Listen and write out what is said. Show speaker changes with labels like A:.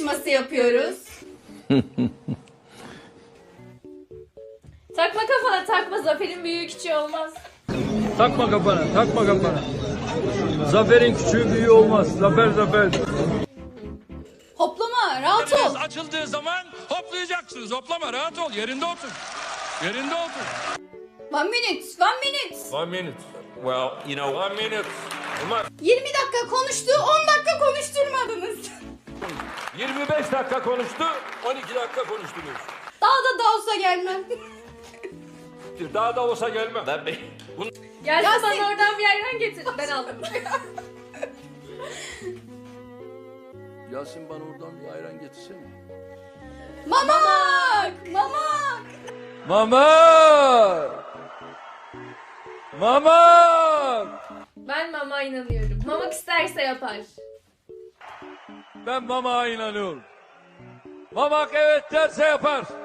A: yarışması yapıyoruz.
B: Takma kafana takma, zaferin büyüğü küçüğü olmaz.
C: Takma kafana, takma kafana. Zaferin küçüğü büyüğü olmaz. Zafer zafer.
A: Hoplama, rahat ol.
D: Açıldığı zaman hoplayacaksınız. Hoplama, rahat ol. Yerinde otur. Yerinde otur.
A: 1 minute, 1 minute.
D: 1 minute. Well, you know, 1 minute.
A: 20 dakika konuştu, 10 dakika konuşturmadınız.
D: 25 dakika konuştu, 12 dakika konuştunuz.
A: Daha da olsa gelmem.
D: Daha da olsa gelmem.
B: Gelsin
A: Yasin.
B: bana oradan bir ayran getir. Ben aldım.
C: Yasin bana oradan bir ayran getirsene.
A: Mamak! Mamak!
C: Mama! Mama!
B: Ben mama inanıyorum. Mamak isterse yapar.
C: Ben Mama'ya inanıyorum. Mamak evet derse yapar.